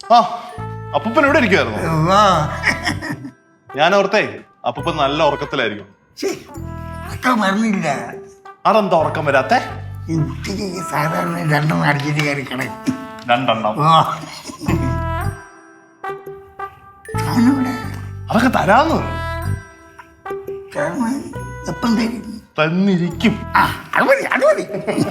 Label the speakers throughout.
Speaker 1: ആ അപ്പൂപ്പൻ ഇവിടെ ഇരിക്കുവായിരുന്നു. ഞാൻ ഓർത്തേ അപ്പൂപ്പൻ നല്ല ഉറക്കത്തിലായിരിക്കും.
Speaker 2: മറന്നില്ല.
Speaker 1: അതെന്താ ഉറക്കം വരാത്തെ?
Speaker 2: ഉച്ചയ്ക്ക് സാധാരണ 2 അടിച്ചിട്ട് കയറി കിടക്കും.
Speaker 1: 2 അതൊക്കെ തരാന്ന്
Speaker 2: എപ്പം തരും?
Speaker 1: തന്നിരിക്കും.
Speaker 2: അത് മതി.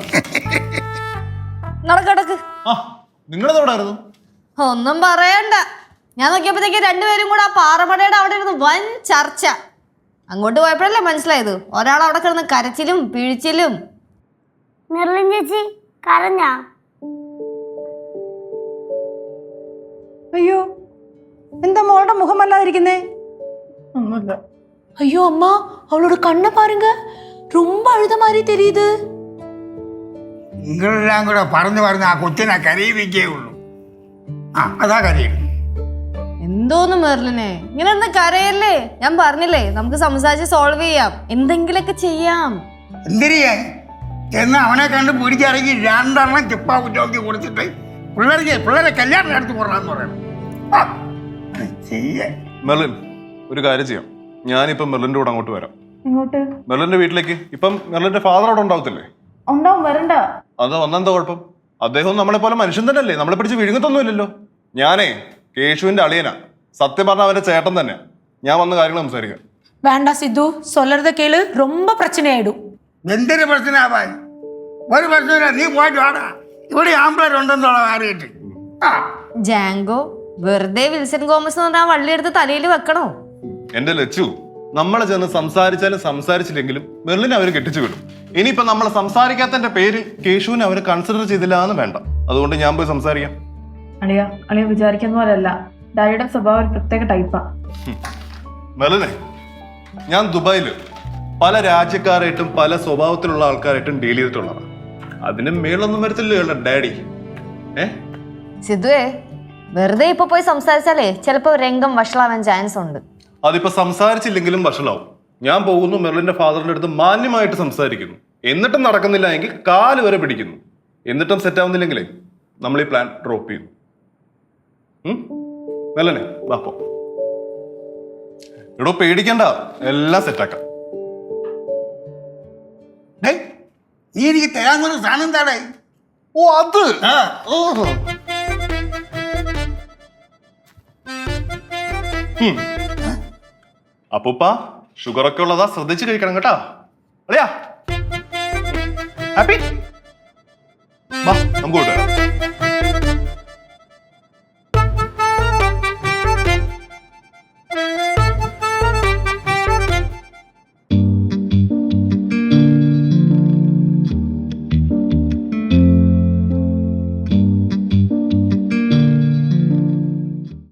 Speaker 3: നടക്കടക്ക്.
Speaker 1: ആ നിങ്ങളെവിടായിരുന്നു?
Speaker 3: ഒന്നും പറയണ്ട. ഞാൻ നോക്കിയപ്പോഴത്തേക്ക് രണ്ടുപേരും കൂടെ ആ പാറമടയുടെ അവിടെ ഇരുന്ന് വൻ ചർച്ച. അങ്ങോട്ട് പോയപ്പോഴല്ലേ മനസ്സിലായത് ഒരാൾ അവിടെ കിടന്ന് കരച്ചിലും പിഴിച്ചിലും.
Speaker 4: മെർലിൻ ചേച്ചി കരഞ്ഞാ?
Speaker 5: അയ്യോ, എന്താ മോളുടെ മുഖമല്ലാതിരിക്കുന്നേ?
Speaker 1: ഒന്നുമില്ല.
Speaker 6: ஐயோ அம்மா, அவளோட கண்ணை பாருங்க, ரொம்ப அழுத மாதிரி தெரியுது.
Speaker 2: നിങ്ങളെല്ലാം കൂടെ പറഞ്ഞു പറഞ്ഞ ആ കൊച്ചിനെ കരയിപ്പിക്കേ ഉള്ളൂ. അതാ കരയും.
Speaker 3: എന്തോന്ന് മെർലിനെ ഇങ്ങനെ ഒന്ന് കരയല്ലേ? ഞാൻ പറഞ്ഞില്ലേ നമുക്ക് സംസാരിച്ച് സോൾവ് ചെയ്യാം, എന്തെങ്കിലൊക്കെ ചെയ്യാം.
Speaker 2: എന്തിരിയേ എന്ന് അവനെ കണ്ട് പിടിച്ചിറങ്ങി 2 ചിപ്പാ കുറ്റോക്കി കൊടുത്തിട്ട് പിള്ളേരെ കല്യാണം നടത്തി കൊള്ളാന്ന് പറയണം.
Speaker 1: മെർലിൻ ഒരു കാര്യം ചെയ്യാം, ഞാനിപ്പം മെർലിന്റെ കൂടെ അങ്ങോട്ട് വരാം.
Speaker 5: ഇങ്ങോട്ട്?
Speaker 1: മെർലിന്റെ വീട്ടിലേക്ക്. ഇപ്പം മെർലിന്റെ ഫാദർ അവിടെ ഉണ്ടാവത്തില്ലേ?
Speaker 5: ഉണ്ടാവും, വരണ്ട.
Speaker 1: അത് വന്നെന്താ കുഴപ്പം? അദ്ദേഹം നമ്മളെ പോലെ മനുഷ്യൻ തന്നെയല്ലേ, നമ്മളെ പിടിച്ച് വിഴുങ്ങത്തൊന്നുമില്ലല്ലോ. ഞാനേ കേശുവിന്റെ അളിയനാ, സത്യം പറഞ്ഞ അവന്റെ ചേട്ടൻ തന്നെ. ഞാൻ വന്ന കാര്യങ്ങൾ സംസാരിക്കാം.
Speaker 6: வேண்டாம் சித்து, சொல்றத கேளு, ரொம்ப பிரச்சனை ஆயிடும்.
Speaker 2: എന്തൊരു പ്രശ്നമാവാൻ? ഒരു പ്രശ്നമില്ല, നീ പോയിട്ട് വാടാ. ഇവിടെ ആമ്പിളരുണ്ടെന്നുള്ള അറിയിട്ട്.
Speaker 3: ജാങ്കോ വെറുതെ വിൽസൺ ഗോമസ് എന്ന് പറഞ്ഞാൽ വള്ളിയെടുത്ത് തലയിൽ വെക്കണോ?
Speaker 1: എന്റെ ലച്ചു, നമ്മളെ ചെന്ന് സംസാരിച്ചാലും സംസാരിച്ചില്ലെങ്കിലും മെർലിനെ അവര് കെട്ടിച്ചു വിടും. ഇനിയിപ്പോ നമ്മളെ സംസാരിക്കാത്തതിന്റെ പേര് കേശുവിനെ അവര് കൺസിഡർ ചെയ്തില്ല എന്ന് വേണ്ട. അതുകൊണ്ട് ഞാൻ പോയി സംസാരിക്കാം.
Speaker 5: അളിയ വിചാരിക്കുന്ന പോലെയല്ല, ഡാഡിയുടെ സ്വഭാവം ഒരു പ്രത്യേക ടൈപ്പാ.
Speaker 1: മെർലിനെ, ഞാൻ ദുബായില് പല രാജ്യക്കാരായിട്ടും പല സ്വഭാവത്തിലുള്ള ആൾക്കാരായിട്ടും ഡീൽ ചെയ്തിട്ടുള്ളതാണ്. അതിന് മേളൊന്നും വരത്തില്ല ഡാഡി.
Speaker 3: സിദ്ധുവേ, വെറുതെ ഇപ്പൊ പോയി സംസാരിച്ചാലേ ചിലപ്പോ രംഗം വഷളാവാൻ ചാൻസ് ഉണ്ട്.
Speaker 1: അതിപ്പോ സംസാരിച്ചില്ലെങ്കിലും വഷളാവും. ഞാൻ പോകുന്നു, മെർലിന്റെ ഫാദറിന്റെ അടുത്ത് മാന്യമായിട്ട് സംസാരിക്കുന്നു. എന്നിട്ടും നടക്കുന്നില്ല എങ്കിൽ 4 വരെ പിടിക്കുന്നു. എന്നിട്ടും സെറ്റ് ആവുന്നില്ലെങ്കിലേ നമ്മൾ ഈ പ്ലാൻ ഡ്രോപ്പ് ചെയ്യുന്നു. മെർലിനെ വാപ്പോ. എടോ പേടിക്കണ്ട, എല്ലാം സെറ്റാക്കാം.
Speaker 2: നീ എനിക്ക് തരാന്നൊരു സാധനം താടേ.
Speaker 1: ഓ അത് അപ്പൂപ്പ ഷുഗർ ഒക്കെ ഉള്ളതാ, ശ്രദ്ധിച്ച് കഴിക്കണം കേട്ടാ. അളിയാ ഹാപ്പി, നമുക്ക് കൊണ്ടുവരാം.